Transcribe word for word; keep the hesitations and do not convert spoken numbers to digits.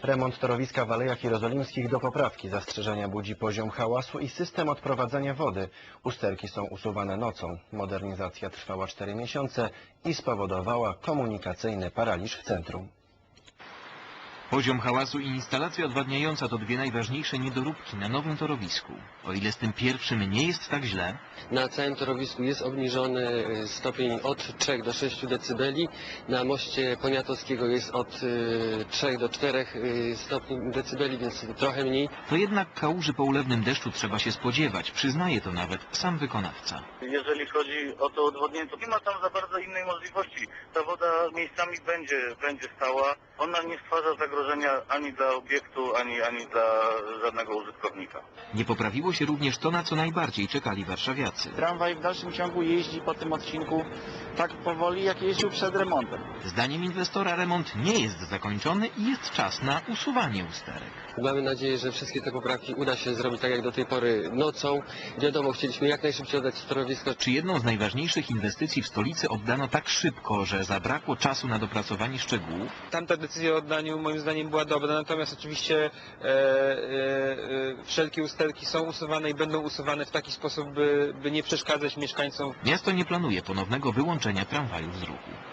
Remont torowiska w Alejach Jerozolimskich do poprawki. Zastrzeżenia budzi poziom hałasu i system odprowadzania wody. Usterki są usuwane nocą. Modernizacja trwała cztery miesiące i spowodowała komunikacyjny paraliż w centrum. Poziom hałasu i instalacja odwadniająca to dwie najważniejsze niedoróbki na nowym torowisku. O ile z tym pierwszym nie jest tak źle, na całym torowisku jest obniżony stopień od trzech do sześciu decybeli. Na moście Poniatowskiego jest od trzech do czterech stopni decybeli, więc trochę mniej. To jednak kałuży po ulewnym deszczu trzeba się spodziewać. Przyznaje to nawet sam wykonawca. Jeżeli chodzi o to odwodnienie, to nie ma tam za bardzo innej możliwości. Ta woda miejscami będzie, będzie stała. Ona nie stwarza zagrożenia ani dla obiektu, ani, ani dla żadnego użytkownika. Nie poprawiło się również to, na co najbardziej czekali warszawiacy. Tramwaj w dalszym ciągu jeździ po tym odcinku tak powoli, jak jeździł przed remontem. Zdaniem inwestora remont nie jest zakończony i jest czas na usuwanie usterek. Mamy nadzieję, że wszystkie te poprawki uda się zrobić tak jak do tej pory nocą. Wiadomo, chcieliśmy jak najszybciej oddać torowisko. Czy jedną z najważniejszych inwestycji w stolicy oddano tak szybko, że zabrakło czasu na dopracowanie szczegółów? Tamta decyzja o oddaniu moim zdaniem była dobra, natomiast oczywiście e, e, wszelkie usterki są usuwane i będą usuwane w taki sposób, by, by nie przeszkadzać mieszkańcom. Miasto nie planuje ponownego wyłączenia tramwajów z ruchu.